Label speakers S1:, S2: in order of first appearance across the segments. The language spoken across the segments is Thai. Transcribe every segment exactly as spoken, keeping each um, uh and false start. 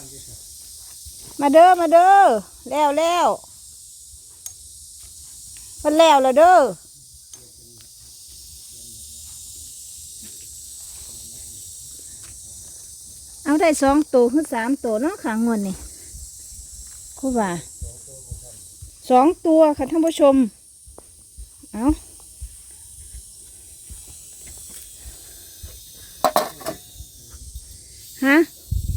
S1: มาเด้อมาเด้อแล้วแล้วมันแล้วแล้วเด้อเอาได้สองตัวขึ้นสามตัวเนาะขางวนนี่ครูบ่าสองตัวค่ะท่านผู้ชมเอาฮะ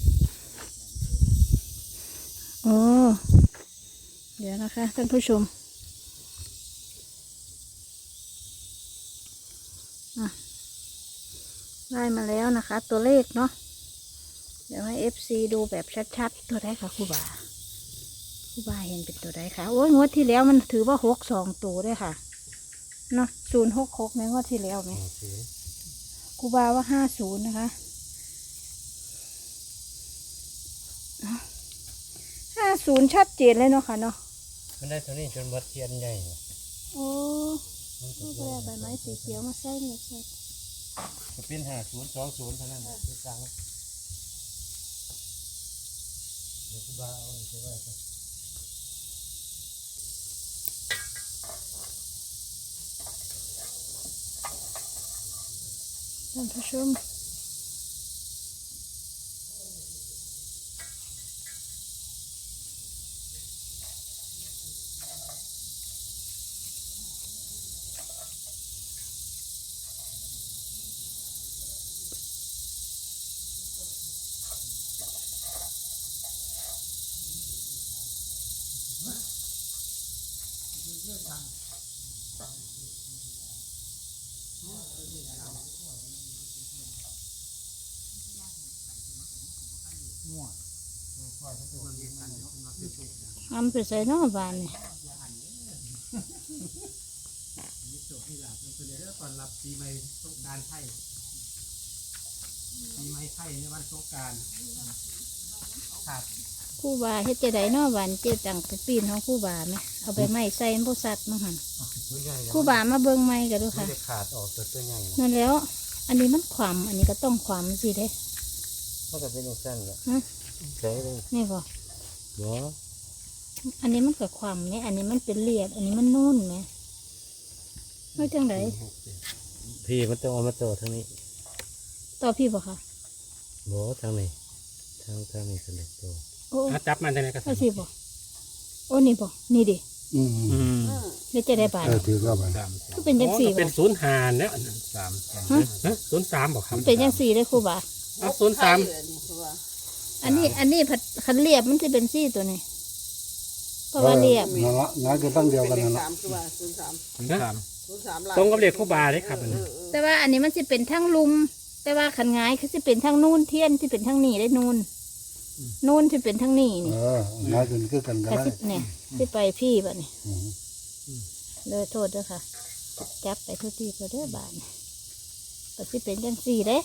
S1: โอ้เดี๋ยวนะคะท่านผู้ชมได้มาแล้วนะคะตัวเลขเนาะเดี๋ยวให้ เอฟ ซี ดูแบบชัดๆตัวได้ค่ะครูบาครูบาเห็นเป็นตัวได้ค่ะโอ้ยงวดที่แล้วมันถือว่าหกสองตัวด้วยค่ะเนาะศูนย์หกหกในงวดที่แล้วไหมครูบาว่าห้าศูนย์นะคะห้าศูนย์ชัดเจนเลยเนาะค่ะเนาะ
S2: มันได้เท่านี้จนวัดเทียนใหญ่
S1: โอ้ลูกแรกใบไม้สีเขียวมาใส่เนี่ยใส่
S2: จะเป็นห้าศูนย์สองศูนย์เท่านั้นคือสั่งเดี๋ยวคุณบ้าเอาไปไว้ก่อน
S1: ท่านผู้ชมทำไปใส่นอกบ้านนี่
S2: ตอนรับปีใหม่สงกรานต์ไทยปีใหม่ไทยในวันสงกรานต์ครับ
S1: คู่บาเฮ็ดจะได้นอกบ้านเจ๊ตังไปปีนของคู่บาไหมเอาไปไม้ใส่ผู้สัตว์มั้งหันคู่บามาเบิ่งไม้กันดูค่ะ
S2: ไม่ได้ขาดออกตัวใหญ่
S1: นั่นแล้วอันนี้มันขวำอันนี้ก็ต้องขวำสิเด้
S2: มันก็เป็นอย่างสั้นแหละใช่เลย
S1: นี่บ่
S2: เนาะ
S1: อันนี้มันกับความเนี่ยอันนี้มันเป็นเลียดอันนี้มันนุ่นไหมไม่จังไร
S2: พี่มันต้องเอามาต่อทางนี้
S1: ต่อพี่บ่ค่ะ
S2: โบ่ทางนี้ทางทางนี้สนุกตัว
S1: โอ้
S2: จับมันทางไหนก็
S1: ใช่สิบ่โอ้นี่บ่นี่ดิ
S2: อืม
S1: นี่จะได้บาท
S3: เออถือว่ามัน
S1: ก็เป็นยังสี่
S2: เป็นศูนย์หานเนี่ยสามฮะศูนย์สามบอกครับ
S1: เป็นยังสี่เลยครูบา
S2: ศูนย์สาม
S1: อันนี้อันนี้ผัดขันเรียบมันจะเป็นสี่ตัวนี้เพราะว่าเรียบ
S3: นั่นละนั่นก็ตั้งเดียวกันนั่นละ
S2: ศูนย์สามศูนย์สามตรงกับเรียกคู่บาเลยครับ
S1: แต่ว่าอันนี้มันจะเป็นทั้งลุมแต่ว่าขันงายคือจะเป็นทั้งนู่นเทียนที่เป็นทั้งนี่ได้นู่นนู่นที่เป็นทั้งนี่นี่
S3: เออนั่นเป็นคือกันกัน
S1: เนี่ยที่ไปพี่บ่เนี่ยเลยโทษด้วยค่ะจับไปทุกที่ก็ได้บาทก็ที่เป็นยังสี่เด้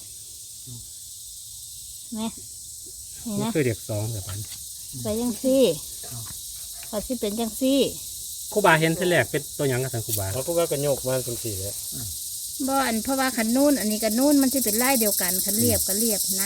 S1: ไหมนี่นะ
S2: คือเรียกสองแบบนั้น
S1: ไปยังสี่ก็ที่เป็นยังสี่
S2: คู่บาเห็นทีแรกเป็นตัวยังกับทางคู่บาแล้วคู่บาก็โยกมาเป็นสี่เลย
S1: บ่อันเพราะว่าขันนู่นอันนี้กับนู่นมันจะเป็นไล่เดียวกันขันเรียบกับเรียบนะ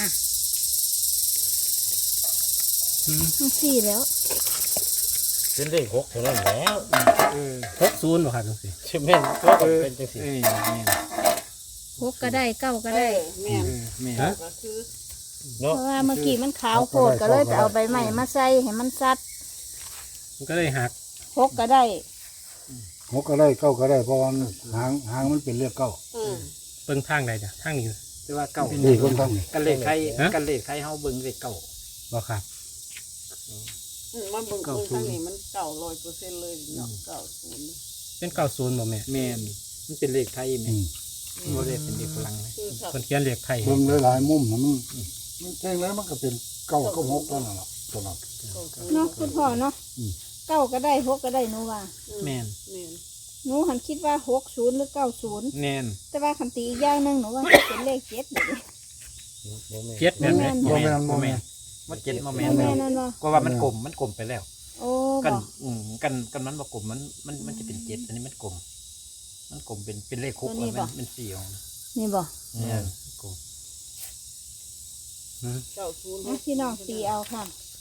S1: ทั้งสี่แล้ว
S2: เป็นเลขหกเท่านั้นแล้วหกศูนย์หรอครับจังสี่ใช่ไหมก็เป็นจังสี่
S1: หกก็ได้เก้าก็ได้
S2: แม่แม่
S1: เพราะว่าเมื่อกี้มันขาวโคตรก็เลยจะเอาใบใหม่มาใส่ให้มันซัด
S2: มันก็เลยหัก
S1: หกก็ได้
S3: หกก็ได้เก้าก็ได้เพราะว่าหางหางมันเป็นเรียกเก้า
S2: เบิ่งทางใดจ้ะทางนี้
S4: แต่ว่าเก้า
S3: นี่คนทาง
S4: กันเลขใครกันเลขใครเฮาเบิ่งเลขเก้า
S2: บ่ครับ
S5: มันเบิ่งเบิ่งทางนี้มันเก่าร้อยเปอร์เซ็นต์เลยเนาะเก่าศูนย์
S2: เป็นเก้าศูนย์บ่แม่
S4: แม่นมันเป็นเลขไทยแม่บ่ได้เป็นเลขฝรั่ง
S2: คนเขียนเลขไทย
S3: เบิ่งหลายๆมุมมันมันแจ้งแล้วมันก็เป็นเก้าก็หกตัวนั่นแหละตัวนั้น
S1: เนาะคุณพ่อเนาะเก้าก็ได้หกก็ได้หนูว่า
S4: แม่น
S1: หนูหันคิดว่าหกศูนย์หรือเก้าศูนย์
S4: แม่น
S1: แต่ว่าคันตีอีกอย่างนึงหนูว่าเป็นเลขเจ็ดเลย
S2: เจ็ดแม่น
S4: บ่แม่นบ่แม่นมันเจ็ดบ่แม่นก็ว่ามันกลมมันกลมไปแล้ว
S1: โอ้
S4: กันอืมกันกันมันบ่กลมมันมันมันจะเป็นเจ็ดอันนี้มันกลมมันกลมเป็นเป็นเลขคุกมันเป็นสี่อง
S1: นี่บ่
S4: เนี่ยกลม
S5: เก้าศูนย์
S1: พี่น้องตีเอาค่ะ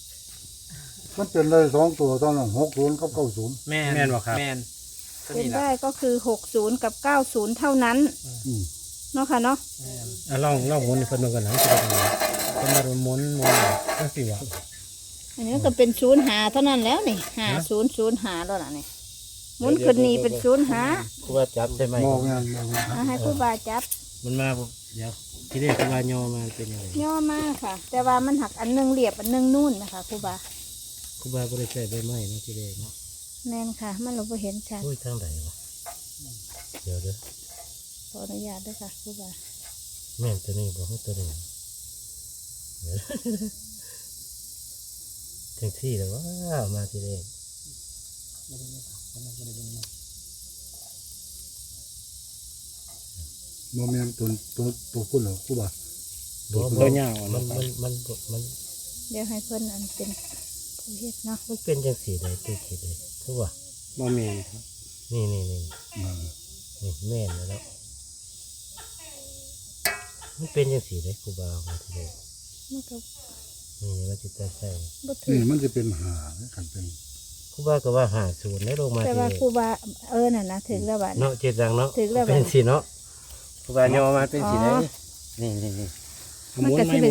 S3: มันเป็นเลยสองตัวตอนนั้นหกศูนย์กับเก้าศูนย์
S4: แม่น
S2: แม่นบ่ครับ
S4: แม่นก็
S1: เป็น
S4: นี่ล่ะ
S1: ได้ก็คือหกศูนย์กับเก้าศูนย์เท่านั้น
S3: อืม
S1: เนาะค่ะเนาะ
S4: แม่น
S2: อ่ะลองลองหมุนให้เพิ่นดูกันหนังสิเป็นยังไงเพิ่นมาหมุนหมุนจังซี่ว่า
S1: อันนี้ก็เป็นศูนย์หาเท่านั้นแล้วนี่หาศูนย์ศูนย์หาแล้วล่ะนี่หมุนขึ้นนี่เป็นศูนย์หา
S2: ครูบาจับได้ไหม
S3: มองงานมองงาน
S1: เอาให้ครูบาจับ
S2: มันมาบ่เดี๋ยวที่ได้ครูบาโยมาเป็นยังไง
S1: ย่อมากค่ะ แต่ว่ามันหักอันหนึงเรียบอันหนึงนู่นนะคะครูบา
S2: ครูบาบ่ได้ใช้ใบไม้เนาะที่ได้เนาะ
S1: แน่นค่ะ มันเราบ่เห็นชัด
S2: โอ้ยทางใดวะเดี๋ยวเด้อ
S1: ขออนุญาตด้วยค่ะครูบา
S2: แม่นตัวนี้บ่ฮู้ตัวนี้เดี๋ยวจังซี่แล้วว่ามาที่ได้
S3: โมเมนต์ตัวตัวตัวพุ่นเหรอครูบา
S2: บ่บ่ยาวมันมันมันมัน
S1: เดี๋ยวให้เพิ่นอันเป็นผู้เฮ็ดเนาะ
S2: มันเป็นจังซี่ได้ตัวคิดเลยคือว่าบ่แม่นครับนี่นี่นี่
S3: อ่า
S2: นี่แม่นแล้วเนาะมันเป็นจังซี่ได้ครูบามาที่ได้
S1: มันก็
S2: นี่มันสิจะใส่
S1: บ่ถื
S3: นี่
S1: อ
S3: มันจะเป็นหาเนี่ยกันเป็น
S2: ครูบาก็ว่าหาศูนย์ได้ลงมา
S1: แต่
S2: ที่
S1: ว่า
S2: ได้
S1: ครูบาเออน่ะนะถึงแล้วบัดนี้
S2: เนาะเจ็ดดังเนาะ
S1: ถึงแล้ว
S2: เป็นสิเนาะครูบาโยมาเป็นสิได้
S1: อ๋อ
S2: นี่นี่นี่
S1: มันก็สิเป็น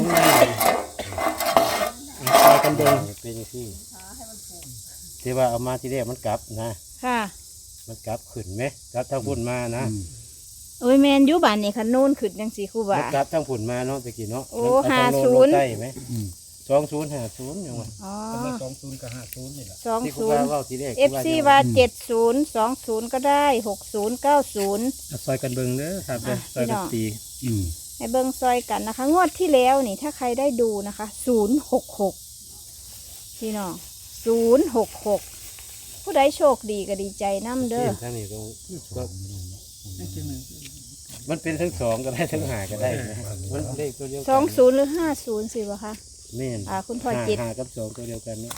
S2: ไปกันเดินเป็นสิที่ว่าเอามาที่แรกมันกลับนะ
S1: ค่ะ
S2: มันกลับขึ้นไหมกลับทางพุ่นมานะ
S3: อืม
S1: โอ้ยแมนอยู่บ้านนี่คันนู่นขึ้นจังสี่ครูบา
S2: มันกลับทางพุ่นมาเนาะตะกี้เนาะ
S1: โอ้
S2: มันเอ
S1: ห้า
S2: ทงโล
S1: ศูนย์
S2: โลใต้ไหม
S3: อืม
S2: สองศูนย์ห้าศูนย์ยังไง
S1: อ๋อ
S4: สองศูนย์กับห้าศูนย์นี่แหละ
S1: สอง
S2: ที่ครู
S1: ศู
S2: บาน
S1: ย์
S2: เว่าที่แรก
S1: เอฟซีว่าเจ็ดศูนย์สองศูนย์ก็ได้หกศูนย์เก้าศูนย์
S2: ซอยกันเบิ่งเด้อครับเด้อ
S1: อ่ะ
S2: ซอยกัน
S1: พี่น้อง
S2: ตี
S3: อืม
S1: ให้เบิ้งซอยกันนะคะ งวดที่แล้วนี่ถ้าใครได้ดูนะคะศูนย์หกหกพี่น้องศูนย์หกหกผู้ใดโชคดีก็ดีใจน้ำเด้อ
S2: ทางนี้ก็ก็มันเป็นทั้งสองก็ได้ทั้งหาก็ได้นะมันเลขตัวเดียวกั
S1: สองศูนย์หรือห้าศูนย์สิวะคะ
S2: แม่น
S1: อ่าคุณพ่อ
S2: หา
S1: จิต
S2: หากับสองตัวเดียวกันเนาะ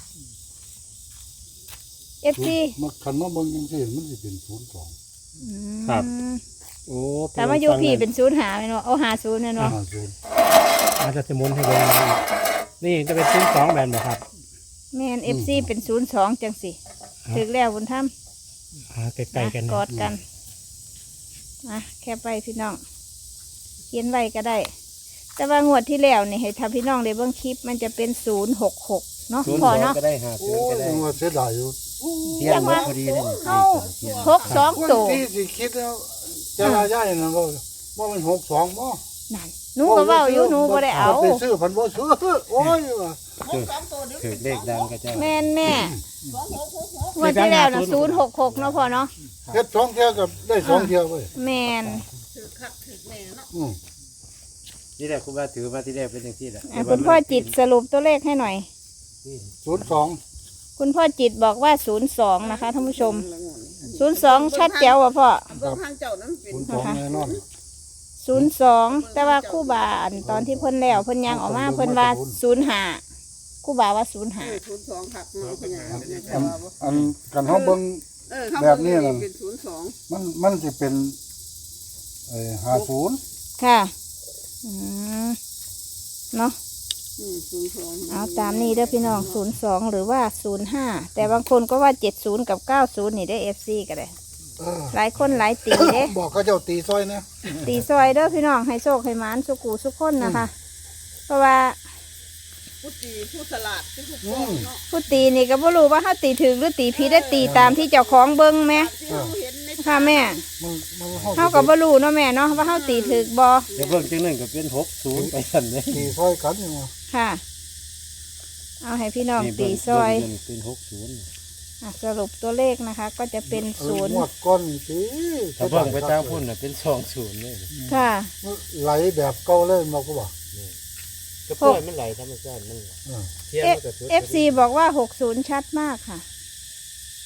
S1: เอฟซี
S3: มันคันมาเบิ่งจังซี่มันสิเป็นศูนย์สอง
S2: โอ้
S1: แต่มาอยู่พี่เป็นศูนย์หาเนาะเอาหาศูนย์เนาะ
S3: ห้าศูนย์
S2: อาจจะสมุนให้เบิ่งนี่จะเป็นศูนย์สองแบนบ่ครับ
S1: แมนเอฟซีเป็นศูนย์สองจังสิถึงแล้วบุญธรรม
S2: หาใกล้ๆกัน
S1: กอดกันมาแค่ไปพี่น้องเขียนไว้ก็ได้ แต่ว่างวดที่แล้วนี่ให้ทำพี่น้องได้เบิ่งคลิปมันจะเป็นศูนย์หกหกเนาะ
S2: ศูนย์
S1: พอ
S2: สอง
S1: เนาะ
S2: ก็ได้หา
S3: โอ้
S2: ศูนย์ก็
S3: ย
S2: ได้
S3: ยังว่าเสียดายอยู่
S2: เที่ยงหมดพอดีเลยนี่
S1: เข้าหกสอง
S3: คน
S1: ตัว
S3: ที่สิคิดแล้วจะลาย่ายนั่นบ่บ่มันหกสองบ่
S1: นั่นหนูก็เว้าอยู่หนูก็ได้เอา
S3: ไปซื้อพันบ่ซื้อโอ้ยว่ะ
S2: คือคือเลขดังก็จะ
S1: แม่นแม่งวดที่แล้วนะศูนย์หกหกเนาะพอเนาะ
S3: เฮ็ดสองเที่ยวกับได้สองเที่ยวเว้ย
S1: แม่น
S5: ถือคักถือแน่เนาะ
S3: อืม
S2: นี่แหละครูบาถือมาที่แรกเป็นอย่างที่แหละ
S1: อ่ะคุณพ่อจิตสรุปตัวเลขให้หน่อย
S3: ศูนย์สอง
S1: คุณพ่อจิตบอกว่าศูนย์สองนะคะท่านผู้ชมศูนย์สองชัดแจ๋วว่ะพ่อ
S5: เบิ่งทางเจ้านั้นเป็น
S3: ศูนย์สองแน่นอน
S1: ศูนย์สองแต่ว่าคู่บาอันตอนที่เพิ่นแล้วเพิ่นยังออกมาเพิ่นว่าศูนย์ห้าคู่บาว่าศูนย์ห้า
S5: เออศูนย์สองคักเนาะพญาเป็นยังไง
S3: อัน
S5: ว่าบ่
S3: อันกันเฮาเบิ่ง
S5: เออเขา
S3: แบบนี้
S5: เบิ่
S3: น่ะ
S5: งเป็นศูนย์สอง
S3: มันมันสิเป็นเอ่อห้าศูนย์
S1: ค่ะอืมเนาะ
S5: อืมศูนย์สอง
S1: เอาตามนี้เด้อพี่น้องศูนย์สองหรือว่าศูนย์ห้าแต่บางคนก็ว่าเจ็ดศูนย์กับเก้าศูนย์นี่ได้เอฟซีก็ได้
S3: เออ
S1: หลายคนหลายตีเด้
S3: บอกเขาเจ้าตีซอยนะ
S1: ตีซอยเด้อพี่น้องให้โชคให้หมานสุกูสุกคนนะคะ เพราะว่า
S5: ผู้ตีผู้สลัดผู้ถูกต้องเนาะ
S1: ผู้ตีนี่ก็บ่รู้ว่าเขาตีถึงหรือตีผิดได้ตีตามที่เจ้าของเบิ้งไหม
S5: ที่เราเห็นใน
S1: ค่ะแม่
S3: มันมัน
S1: เขาก็บ่รู้เนาะแม่เนาะว่าเขาตีถึกบ่
S2: เดี๋ยวเบิ่งจังนึงก็เป็นหกศูนย์ไปสั่นเลย
S3: ตีซอยกันอยู่ว่า
S1: ค่ะ เอาให้พี่น้อง
S2: นี่
S1: ตี
S2: เบิ่ง
S1: ซอย
S2: เบิ่งนี่เป็นหกศูนย์
S1: อ่ะสรุปตัวเลขนะคะ ก็จะเป็น
S3: เออ
S1: ศูนย์
S3: งวดก้อนนี่ตี
S2: ถ้าเบิ่งไปตามพุ่นน่ะเป็นสองศูนย์เลย
S1: ค่ะ
S3: ไหลแบบเก่าเลยมาก็บอก
S2: ก็ปล่อยมันไหลธรรมชาติมัน
S3: เออ
S2: เที่ยงมันก็สุด
S1: เอฟซีบอกว่าหกศูนย์ชัดมากค่ะ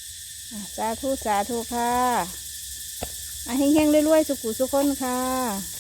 S1: อ่ะสาธุสาธุค่ะอ่ะเฮงๆรวยๆสุขุสุขคนค่ะ